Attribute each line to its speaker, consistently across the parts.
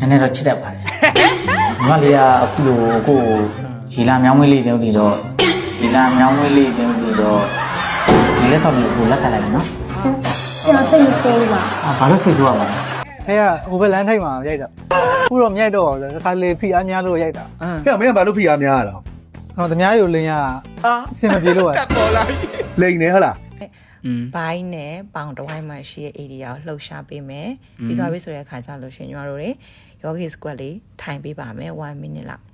Speaker 1: နေ့တော့ချစ်တတ်ပါတယ်ညီမလေးကအခုလိုကိုရီလာမြောင်းမွေးလေးတုန်းတည်းတော့ရီလာမြောင်းမွေးလေးတုန်းတည်းတော့ဒီလက်ဆောင်လေးကိုလက်ခံလိုက်နော်
Speaker 2: ကျွန်တော်စိတ်မဆိုးပါ
Speaker 1: ဘာလို့စိတ်ဆိုးရမှာလဲ
Speaker 3: ဖေကဟိုဘက်လမ်းထိုက်မှာရိုက်တာခုတော့မြိုက်တော့ဆိုခါလေဖိအားများလို့ရိုက်တာ
Speaker 4: ဖေမင်းကဘာလို့ဖိအားများရတာ
Speaker 3: တော့တမားတွေကိုလင်းရအဆင်မပြေလို့
Speaker 5: တက်ပေါ်လာ
Speaker 4: လိန်နေဟုတ်လား
Speaker 6: ဘိုင်းနဲ့ပေါင်တစ်ဝိုင်းမှာရှိတဲ့ area ကိုလှုပ်ရှားပေးမယ်ပြီးသွားပြီဆိုတဲ့အခါကျလို့ရှင်ညီမတို့တွေ yogi squat လေးထိုင်ပေးပါမယ်1 minute လောက်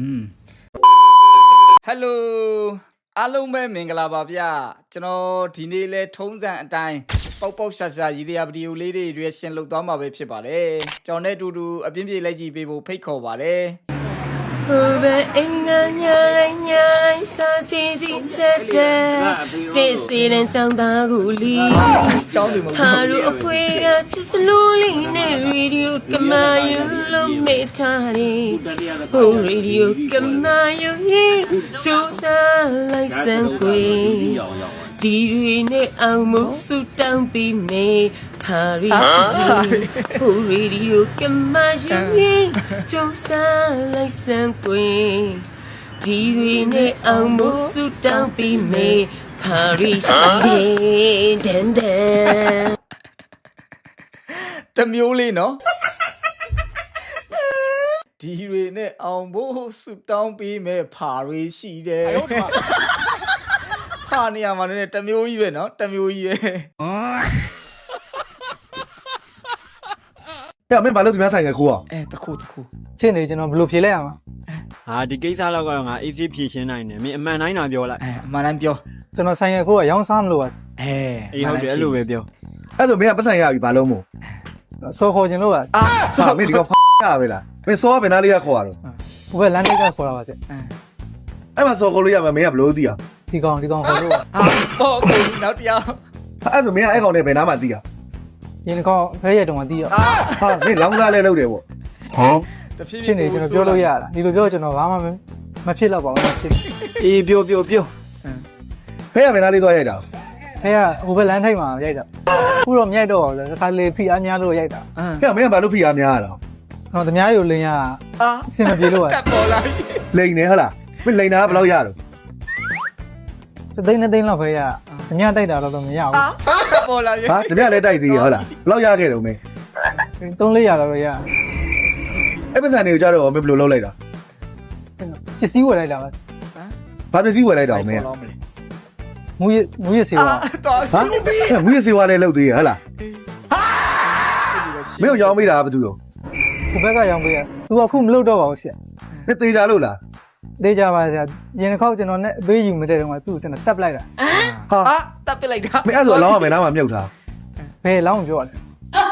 Speaker 5: Hello အားလုံးပဲမင်္ဂလာပါဗျကျွန်တော်ဒီနေ့လဲထုံးစံအတိုင်းပေါက်ပေါက်ရှာရှာရည်ရည်ဗီဒီယိုလေးတွေရွေးရှင်လုပ်သွားမှာပဲဖြစ်ပါတယ်ကျွန်တော်နဲ့အတူတူအပြင်းပြေလိုက်ကြည့်ပေးဖို့ဖိတ်ခေါ်ပါတယ်
Speaker 6: ဘယ်အင်္ဂါညာလိုက်စာချီချီချက်တဲ့တစ်စီရင်ချောင်းသားကိုလီ
Speaker 5: ကျောင်းသူမဟုတ်
Speaker 6: ဟာရူအဖွေကချစ်စလို့လေးနဲ့ရေဒီယိုကမာယူလို့မေးထားတယ်ဟိုရေဒီယိုကမာယူရေးကျူစားလိုက်စံကွေဒီရီနဲ့အောင်မှုစုတောင်းပြီးမေပါရီဟိုရေဒီယိုကမာယူရေးကျူစားလိုက်စံကွေဒီရီနဲ့အောင်မှုစုတောင်းပြီးမေပါရီဒန်ဒန်
Speaker 5: တမျိုးလေးနော်ဒီရီနဲ့အောင်ဖို့စုတောင်းပြီးမေပါရီရှိတယ်ဟာနေရာမှာလည်းတမျိုးကြီးပဲနော်တမျိုးကြီးပဲ
Speaker 4: ဖေမင်းဘာလို့ဒီများဆိုင်ကခိုးအောင်
Speaker 5: တခု
Speaker 3: ချင်းနေကျွန်တော်ဘယ်လိုဖြေလိုက်ရမှာ
Speaker 7: ဒီကိစ္စတော့ကတော့ငါအေးဆေးဖြေရှင်းနိုင်တယ်မင်းအမှန်တိုင်းသာပြောလိုက်
Speaker 5: အမှန်တိုင်းပြော
Speaker 3: ကျွန်တော်ဆိုင်ကခိုးကရောင်းစားမလို့
Speaker 7: အေးဟုတ်တယ်အဲ့လိုပဲပြော
Speaker 4: အဲ့ဆိုမင်းကပတ်ဆိုင်ရပြီဘာလို့မို့
Speaker 3: စောခေါ်ခြင်းလို့
Speaker 4: မင်းဒီကောင်ရပဲလားမင်းစောကဘယ်နာလေးကခေါ်ရတော့
Speaker 3: ဟိုဘက်လမ်းတိုက်ကခေါ်တာပါစေ
Speaker 4: အဲ့မှာစောခေါ်လို့ရမှာမင်းကဘလို့သိအောင်
Speaker 3: ဒီကောင်ခေါ်လို့
Speaker 5: ပေါ့ကိုနောက်တရား
Speaker 4: အဲ့ဆိုမင်းကအဲ့ကောင်နဲ့ဘယ်နာမှသိအောင်
Speaker 3: ရင်ကောင်ဖဲရတုံးကသိရ
Speaker 4: မင်းလောင်းသားလဲလုပ်တယ်ပေါ့
Speaker 3: ချင်းနေကျွန်တော်ပြောလို့ရတာဒီလိုပြောကျွန်တော်ဘာမှမဖြစ်တော့ပါဘူးဖြစ်
Speaker 7: အေးပြော
Speaker 4: ဖဲကဘယ်နာလေးသွားရိုက်တာ
Speaker 3: ဖဲကဟိုဘက်လမ်းထိုက်မှာရိုက်တာခုတော့မြိုက်တော့ဆိုခါလေဖိအားများလို့ရိုက်တာ
Speaker 4: ဖဲမင်းကဘာလို့ဖိအားများရတာ
Speaker 3: တော့တမားတွေကိုလင်းရအဆင်မပြေလို့
Speaker 5: တက်ပေါ်လာ
Speaker 4: လိန်နေဟုတ်လားမင်းလိန်တာဘယ်လောက်ရတော့
Speaker 3: သိန်းလောက်ပဲရတမားတိုက်တာတော့မရဘူး
Speaker 5: တက်ပေါ်လာ
Speaker 4: ဟာတမားလည်းတိုက်သေးရဟုတ်လားဘယ်လောက်ရခဲ့တော့မင်း
Speaker 3: 300လောက်ရ
Speaker 4: အဲ့ပစံတွေကိုကြတော့မင်းဘယ်လိုလုပ်လိုက်တာ
Speaker 3: ပစ္စည်းဝယ်လိုက်တာပါ
Speaker 4: ဘာပစ္စည်းဝယ်လိုက်တာမင်း
Speaker 3: မူရစေဝါ
Speaker 4: ဟာမူရစေဝါလည်းလုပ်သေးရဟုတ်လားမင်းရောင်းမိတာဘာတူရော
Speaker 3: ဒီဘက်ကရောင်းပေးရသူကခုမလုပ်တော့ပါဘူးဆရာ
Speaker 4: မင်းသေးကြလို့လား
Speaker 3: သေးကြပါဆရာရင်တစ်ခေါက်ကျွန်တော်နဲ့အပေးယူမတဲ့တုန်းကသူ့ကျွန်တော်တက်ပလိုက်တာ
Speaker 5: ဟာတက်ပလိုက်တာ
Speaker 4: မင်းအဲ့ဆိုအလောင်းကဘယ်နားမှာမြုပ်ထား
Speaker 3: ဘယ်လောင်းပြောရလဲ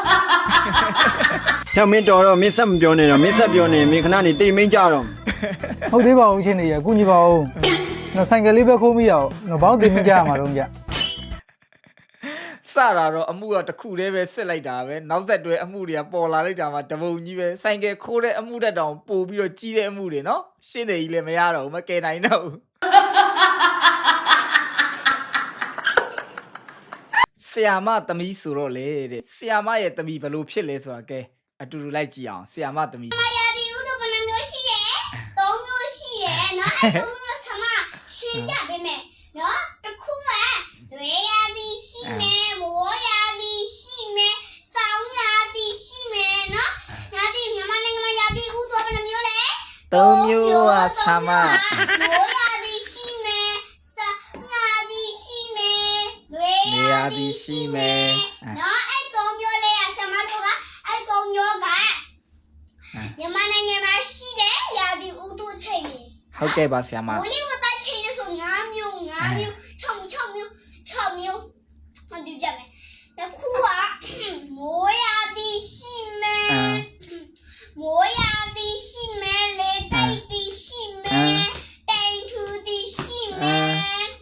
Speaker 7: ကြောက်မင်းတော်တော့မင်းဆက်မပြောနဲ့တော့မင်းဆက်ပြောနေမင်းခဏနေတိတ်မင်းကြတော့
Speaker 3: ဟုတ်သေးပါဘူးချင်းနေရကုညီပါဦးနော်ဆိုင်ကလေးပဲခိုးမိရအောင်နော်ဘောင်းတင်မိကြရမှာတော့ကြ
Speaker 5: စတာတော့အမှုကတစ်ခုတည်းပဲစစ်လိုက်တာပဲနောက်ဆက်တွဲအမှုတွေကပေါ်လာလိုက်တာမှတပုံကြီးပဲဆိုင်ကခိုးတဲ့အမှုတက်တောင်ပို့ပြီးတော့ကြီးတဲ့အမှုတွေနော်ရှင်းနေကြီးလည်းမရတော့ဘူးမကယ်နိုင်တော့ဘူးဆရာမသမီးဆိုတော့လေတဲ့ဆရာမရဲ့သမီးဘယ်လိုဖြစ်လဲဆိုတာကဲအတူတူလိုက်ကြည့်အောင်ဆရာမသမီး
Speaker 2: မရသည်ဥဒ္ဓဘယ်နှမျိုးရှိရဲ3မျိုးရှိရဲနော်အဲ့3မျိုးဆမရှင်းပြပေးမယ်နော်တစ်ခုကရွေရသည်ရှိမယ်မိုးရသည်ရှိမယ်ဆောင်းရသည်ရှိမယ်နော်ညာသည်မြန်မာနိုင်ငံမှာရသည်ဥဒ္ဓဘယ်နှမျိုးလဲ
Speaker 5: 3မျိုးอ่ะဆာမ
Speaker 2: မိုးရသည်ရှိမယ်ဆောင်းရသည်ရှိမယ်ရွေရသည်ရှိမယ်နော်အဲ့3မျိုးလေးอ่ะဆမတို့ကအဲ့3မျိုးကမြန်မာနိုင်ငံမှာရှိတဲ့ရာသီဥတုချိန်ကြီး
Speaker 5: ဟုတ်ကဲ့ပါဆရာမ
Speaker 2: မိုးလေဝသချိန်နဲ့ဆို5မျိုး6မျိုးမပြပြမယ်တခုကမိုးရာသီရှိမယ်မိုးရာသီရှိမယ်လေတိုက်တီရှိမယ်တိုင်ထူတီရှိမယ်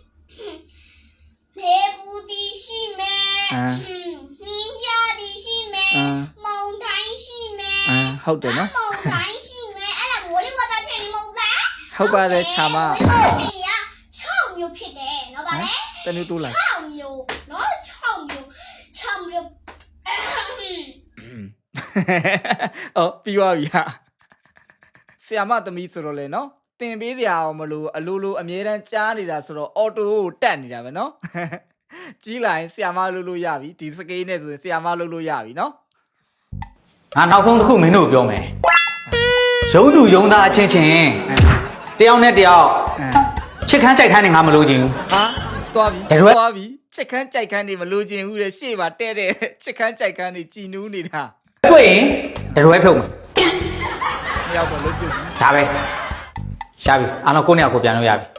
Speaker 2: လေဘူးတီရှိမယ်နှင်းကြတီရှိမယ်မုန်တိုင်းရှိမယ်
Speaker 5: ဟုတ်တယ်နော်
Speaker 2: မုန်တိုင်းရှိမယ်အဲ့ဒါမိုးလေဝသချိန်မဟုတ်လား
Speaker 5: ဟုတ်ပါတယ်ဆာမ
Speaker 2: 6မျိုးဖြစ်တယ်နော်ဗါလေ
Speaker 5: တမျိုးတိုးလိုက်
Speaker 2: 6မျိုးနော်6မျိုး
Speaker 5: အော်ပြီးသွားပြီဟာဆရာမသမီးဆိုတော့လေနော်တင်ပေးစရာအောင်မလို့အလိုလိုအမြဲတမ်းကြားနေတာဆိုတော့အော်တိုကိုတက်နေတာပဲနော်ကြီးလာရင်ဆရာမလုပ်လို့ရပြီဒီစကေးနဲ့ဆိုရင်ဆရာမလုပ်လို့ရပြီနော်
Speaker 1: ငါနောက်ဆုံးတစ်ခုမင်းတို့ပြောမယ်ရုံးသူရုံးသားအချင်းချင်းတယောက်နဲ့တယောက်ချစ်ခမ်းကြိုက်ခမ်းနေငါမလို့ချင်း
Speaker 5: ဟာသွားပြီ
Speaker 1: တရွဲ့
Speaker 5: သွားပြီချစ်ခမ်းကြိုက်ခမ်းနေမလို့ခြင်းဘူးလေရှေ့မှာတဲ့တဲ့ချစ်ခမ်းကြိုက်ခမ်းနေကြည်နူးနေတာ
Speaker 1: တွေ့ရင်တရွဲဖြုတ်မယ်
Speaker 5: မရောက်တော့လို့ပြုတ်ပြီ
Speaker 1: ဒါပဲရှာပြီအားလုံးကိုယ့်နေရာကိုပြန်လို့ရပြီ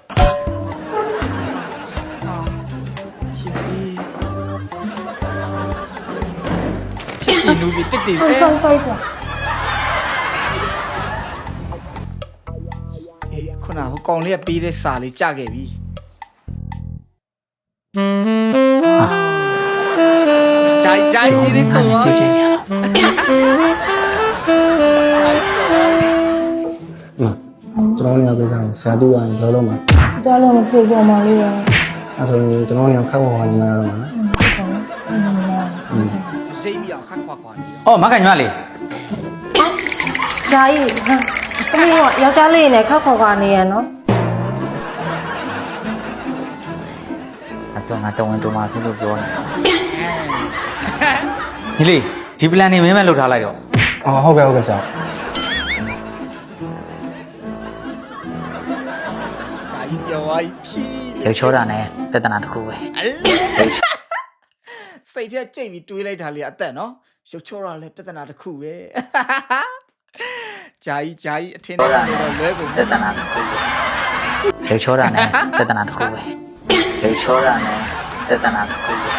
Speaker 5: ချစ်ပြီချစ်ကြည်နူးပြီတစ်တည်
Speaker 2: ဟုတ်ဟုတ်ဟုတ်ကွာ
Speaker 5: ခုနကဟိုကောင်လေးကပေးတဲ့စာလေးကြခဲ့ပြီဂျိုင်ဂျိုင်ဒီရကို
Speaker 1: ချစ်ချင်းရ
Speaker 8: ကျွန်တော်နေရာပြစားဆရာတူရရင်လောလုံးမှာ
Speaker 2: သွားလို့မဖြစ်ပေါ်မှာလေးရ
Speaker 8: အဲဆိုရင်ကျွန်တော်နေရာခက်ခေါ်ခေါ်နေမှာတော့မှာနော်
Speaker 5: စိတ်ပြအောင်ခက်ခွာခွာနေ
Speaker 1: အော်မကန်ညွှလေး
Speaker 6: ဂျာကြီးဟာသမီးကယောက်ျားလေးနဲ့ခက်ခေါ်ကနေရနော်
Speaker 1: အတော့ငါတဝင်တူမသူတို့ပြောနေညီလေးဒီ plan နေမင်းမလုပ်ထားလိုက်တော့
Speaker 8: အော်ဟုတ်ကဲ့ဆရာ
Speaker 5: ဂျာကြီးပြောသွားပြီဖြီး
Speaker 1: ရုပ်ချောတာနဲ့ပြဿနာတစ်ခုပဲ
Speaker 5: စိတ်ထဲကြိတ်ပြီးတွေးလိုက်တာလေအသက်နော်ရုပ်ချောတာလည်းပြဿနာတစ်ခုပဲဂျာကြီးအထင်နဲ့နေတော့လွဲကုန်
Speaker 1: ပြဿနာတစ်ခုပဲရုပ်ချောတာနဲ့ပြဿနာတစ်ခုပဲရုပ်ချောတာနဲ့ပြဿနာတစ်ခုပဲ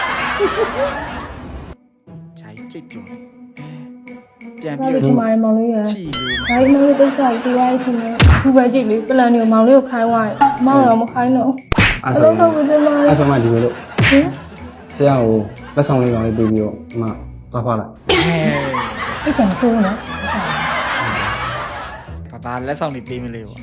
Speaker 5: ဂျာကြီးကြိတ်ပြောနေပြန်
Speaker 2: ဘာ
Speaker 5: ပြီး
Speaker 2: လို့ဒီ
Speaker 5: တော့
Speaker 2: မှာမောင်လေးရ
Speaker 5: ချီလို့
Speaker 2: ဒါကြီးမောင်လေးတိတ်ဆောက်ပြီးသွားပြီချင်းခုပဲကြည့်လေပလန်မျိုးမောင်လေးကိုခိုင်းသွားတယ်မောင်တော့မခိုင်းတော့
Speaker 8: အဲ
Speaker 2: အ
Speaker 8: ဆို
Speaker 2: လုံးတော့ဒီမှာ
Speaker 8: အဲဆိုမှဒီလိုလို့
Speaker 2: ဟင်
Speaker 8: ဆရာကိုလက်ဆောင်လေးကောင်လေးပေးပြီးတော့အမသွားဖားလိုက်
Speaker 2: အိတ်ချင်ဆိုးနော်
Speaker 5: ဘာလက်ဆောင်နေပေးမလဲပေါ့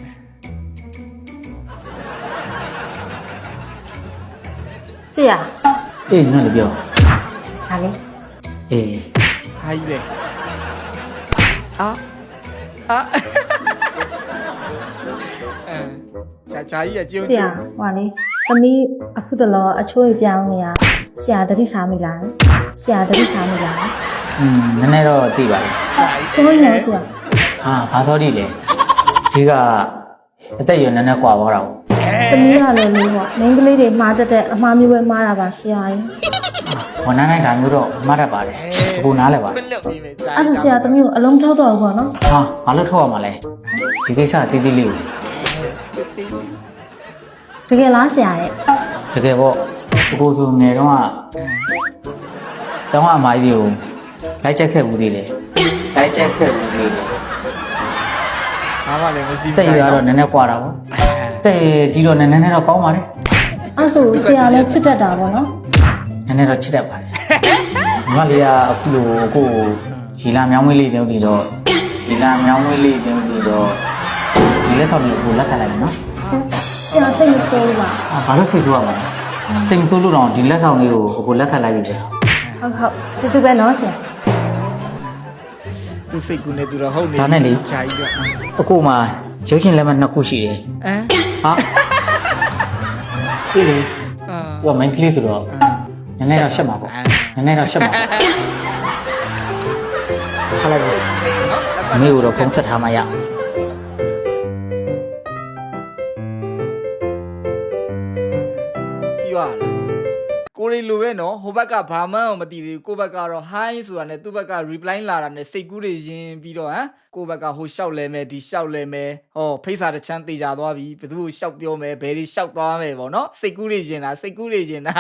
Speaker 6: ဆရာ
Speaker 1: အေးညွှန်လည်းပြော
Speaker 6: ဟာလေ
Speaker 1: အေး
Speaker 5: ဟာကြီးလေအာ ဂျာကြီးကကြုံ
Speaker 6: ဆရာဟွာလေသမီးအခုတလောအချိုးပြောင်းနေရဆရာတတိထားမိလားဆရာတတိထားမိလား
Speaker 1: နည်းနည်းတော့သိပါလေ
Speaker 2: ချိုးနေဆရာ
Speaker 1: ဟာဘာသောတိလဲကြီးကအသက်အရွယ်နည်းနည်းกว่าသွားတာပေါ့
Speaker 2: သမီးကလည်းလေးပေါ့မင်းကလေးတွေမှားတတ်တဲ့အမှားမျိုးပဲမှားတာပါဆရာကြီး
Speaker 1: ဝန်ထမ်းတိုင်းဒါမျိုးတော့မှတ်တတ်ပါတယ်အခုနားလဲပါ
Speaker 5: ခွင့်လွတ်ပြီးမယ်ဂျာ
Speaker 2: အဲ့ဒါဆရာသမီးကိုအလုံးထောက်တော့ဘူးပေါ့နော်
Speaker 1: ဟာဘာလို့ထုတ်ရမှာလဲဒီကိစ္စအသေးသေးလေးကို
Speaker 2: တကယ်လားဆရာရဲ့
Speaker 1: တကယ်ပေါ့အခုဆိုငယ်တော့ကျောင်းအမကြီးကိုလိုက်ချက်ခဲ့ဘူးသေးတယ်လိုက်ချက်ခဲ့ဘူးသေးတယ်
Speaker 5: ဘာမှလည်းမစီမ
Speaker 1: တက်
Speaker 5: ဆိုင်
Speaker 1: ရတော့နည်းနည်းกว่าတာပေါ့တက်ကြီးတော့နည်းနည်းတော့ကောင်းပါလေ
Speaker 2: အဲ့ဆိုဆရာလည်းချစ်တတ်တာပေါ့နော်
Speaker 1: နည်းနည်းတော့ချစ်တတ်ပါတယ်ညီမလေးကအခုလိုကိုရီလာမြောင်းမွေးလေးတုန်းဒီတော့ရီလာမြောင်းမွေးလေးတုန်းဒီတော့ဒီလက်ဆောင်လေးကိုလက်ခံလိုက်မယ်နော်
Speaker 2: ဆရာစိတ်မဆိုးဘူးပါ
Speaker 1: ဘာလို့စိတ်ဆိုးရမှာလဲစိတ်မဆိုးလို့တော့ဒီလက်ဆောင်လေးကိုအခုလက်ခံလိုက်ပြီပဲ
Speaker 2: ဟုတ်ဟုတ်ဒီလိုပဲနော်ဆရာ
Speaker 5: သူစိတ်ကူးနေသူတော့ဟုတ်နေ
Speaker 1: ဒါနဲ့လေ
Speaker 5: ဂျာကြီးက
Speaker 1: အခုမှရုပ်ရှင်လက်မှတ်2ခုရှိတယ်ဟာဒီလေသူက main play ဆိုတော့နည်းနည်းတော့ရှက်မှာပေါ့နည်းနည်းတော့ရှက်မှာပေါ့ခါလိုက်ပါအမေကိုတော့ဖုန်းဆက်ထားမှရအောင်
Speaker 5: ပြီးသွားလားကိုရီလိုပဲနော်ဟိုဘက်ကဘာမှမသိသေးဘူးကိုဘက်ကတော့ hi ဆိုတာနဲ့သူ့ဘက်က reply လာတာနဲ့စိတ်ကူးတွေရင်ပြီးတော့ကိုဘက်ကဟိုရှောက်လဲမယ်ဒီရှောက်လဲမယ်ဟောဖိတ်စာတစ်ချမ်းတေချာသွားပြီဘယ်သူကိုရှောက်ပြောမယ်ဘယ်ဒီရှောက်သွားမယ်ပေါ့နော်စိတ်ကူးတွေရင်တာစိတ်ကူးတွေရင်တာ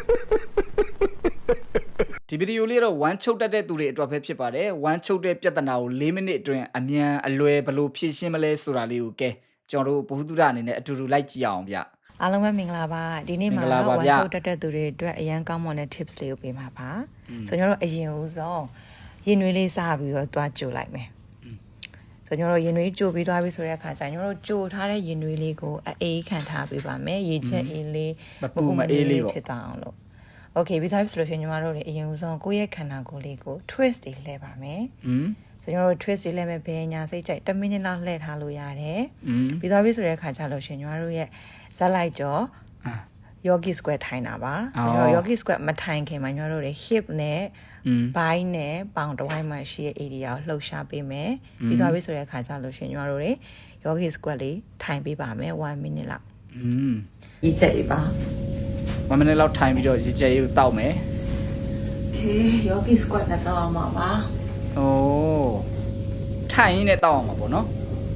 Speaker 5: ဒီဗီဒီယိုလေးတော့ဝမ်းချုပ်တတ်တဲ့သူတွေအတွက်ပဲဖြစ်ပါတယ်ဝမ်းချုပ်တဲ့ပြဿနာကို4မိနစ်အတွင်းအမြန်အလွယ်ဘယ်လိုဖြေရှင်းမလဲဆိုတာလေးကိုကဲကျွန်တော်တို့ဘ ഹു တုဒအနေနဲ့အတူတူလိုက်ကြည့်အောင်ဗျ
Speaker 9: အားလုံးပဲမင်္ဂလာပါဒီနေ့မှာ
Speaker 5: မင်္ဂလာပါ
Speaker 9: တော့
Speaker 5: ဗျ
Speaker 9: ဝမ်းချုပ်တက်တဲ့သူတွေအတွက်အရန်ကောင်းမွန်တဲ့ tips လေးကိုပေးမှာပါဆိုတော့ကျွန်တော်တို့အရင်ဦးဆုံးရင်နွေးလေးစားပြီးတော့သွားကြိုလိုက်မယ်ဆိုတော့ကျွန်တော်တို့ရင်နွေးကြိုပြီးသွားပြီဆိုတဲ့အခါကျရင်ကျွန်တော်တို့ကြိုထားတဲ့ရင်နွေးလေးကိုအေးခံထားပေးပါမယ်ရေချက်အေးလေး
Speaker 5: မပူမအေးလေးပေါ့
Speaker 9: ဖြစ်သွားအောင်လို့โอโอเคပြီးသားပြီဆိုလို့ရှိရင်ညီမတို့တွေအရင်ဦးဆုံးကိုယ့်ရဲ့ခန္ဓာကိုယ်လေးကို twist တွေလှည့်ပါမယ် ဆိုကျွန်တော်တို့ twist တွေလှည့်မယ်ဘယ်ညာစိတ်ကြိုက်10မိနစ်လောက်လှည့်ထားလို့ရတယ်ပြီးသားပြီဆိုတဲ့အခါကျလို့ရှိရင်ညီမတို့ရဲ့ဇက်လိုက်ကြော yogi square ထိုင်တာပါဆိုတော့ yogi square မထိုင်ခင်မှာညီမတို့တွေ hip နဲ့ bicep နဲ့ပေါင်တစ်ဝိုင်းမှာရှိတဲ့ area ကိုလှုပ်ရှားပေးမယ်ပြီးသားပြီဆိုတဲ့အခါကျလို့ရှိရင်ညီမတို့တွေ yogi square လေးထိုင်ပေးပါမယ်1 minute လောက်ဒီချက်လေးပါ
Speaker 5: 1 minute လောက်ထိုင်ပြီးတော့ရေကြဲရေးကိုတောက်မယ်
Speaker 9: Okay yogi squat နဲ့တောက်အောင်ပါပါ
Speaker 5: โอ้ထိုင်ရင်းနဲ့တောက်အောင်ပါပေါ့နော်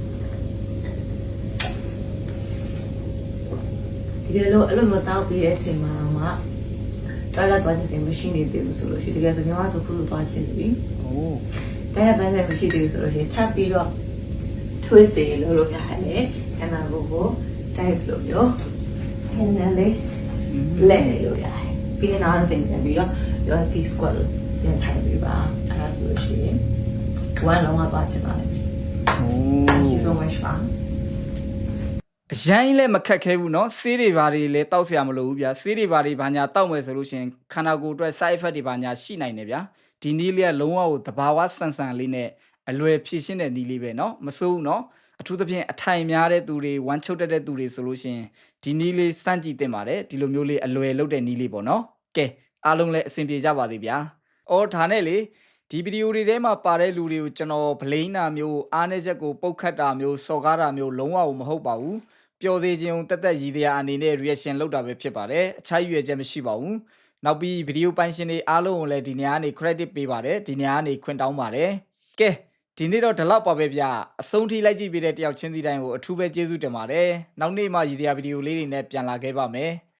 Speaker 9: ဒီလိုအဲ့လိုမတောက်ပြီးတဲ့အချိန်မှာတော့တော်လာသွားခြင်းမရှိနေသေးဘူးဆိုလို့ရှိရင်တကယ်ဆိုညီမဆိုခုလိုသွားခြင်းပြီ
Speaker 5: โอ้
Speaker 9: တဲ့တဲ့တဲ့မရှိသေးဘူးဆိုလို့ရှိရင်ထပ်ပြီးတော့ twist တွေလုပ်လို့ရတယ်ခန္ဓာကိုယ်ကိုကြိုက်လို့မျိုးခန္ဓာလေးလဲလို့ရတယ်ပြီးရင်နောက်တစ်ချိန်ပြန်ပြီးတော့ yogi squat ပြန်ထိုင်ပြီးပါအဲ့ဒါဆိုလို့ရှိရင်ဝမ်းလုံးဝသွားခြင်းပါလေ
Speaker 5: โอ้
Speaker 9: Thank you so much ပါ
Speaker 5: အရင်လည်းမခက်ခဲဘူးเนาะဆေးတွေဘာတွေလည်းတောက်เสียမလို့ဘူးဗျာဆေးတွေဘာတွေဘာညာတောက်မယ်ဆိုလို့ရှိရင်ခန္ဓာကိုယ်အတွက် side effect တွေဘာညာရှိနိုင်တယ်ဗျာဒီနည်းလေးကလုံးဝကိုသဘာဝဆန်ဆန်လေးနဲ့အလွယ်ဖြည့်ရှင်းတဲ့နည်းလေးပဲเนาะမစိုးဘူးเนาะအထူးသဖြင့်အထိုင်များတဲ့သူတွေဝမ်းချုပ်တတ်တဲ့သူတွေဆိုလို့ရှိရင်ဒီနည်းလေးစမ်းကြည့်သင့်ပါတယ်ဒီလိုမျိုးလေးအလွယ်လုပ်တဲ့နည်းလေးပေါ့เนาะကဲအားလုံးလည်းအဆင်ပြေကြပါစေဗျာအော်ဒါနဲ့လေဒီဗီဒီယိုတွေထဲမှာပါတဲ့လူတွေကိုကျွန်တော်ဗလိန်းတာမျိုးအားနည်းချက်ကိုပုတ်ခတ်တာမျိုးစော်ကားတာမျိုးလုံးဝမဟုတ်ပါဘူးပျော်သေးခြင်းတက်တက်ရည်တရားအနေနဲ့ reaction လုပ်တာပဲဖြစ်ပါတယ်အခြားရွေချက်မရှိပါဘူးနောက်ပြီးဗီဒီယိုပိုင်းရှင်တွေအားလုံးကိုလည်းဒီနေရာကနေ credit ပေးပါတယ်ဒီနေရာကနေခွင့်တောင်းပါတယ်ကဲဒီနေ့တော့ဒီလောက်ပါပဲဗျအဆုံးထိလိုက်ကြည့်ပေးတဲ့တယောက်ချင်းစီတိုင်းကိုအထူးပဲကျေးဇူးတင်ပါတယ်နောက်နေ့မှရည်တရားဗီဒီယိုလေးတွေနဲ့ပြန်လာခဲ့ပါမယ်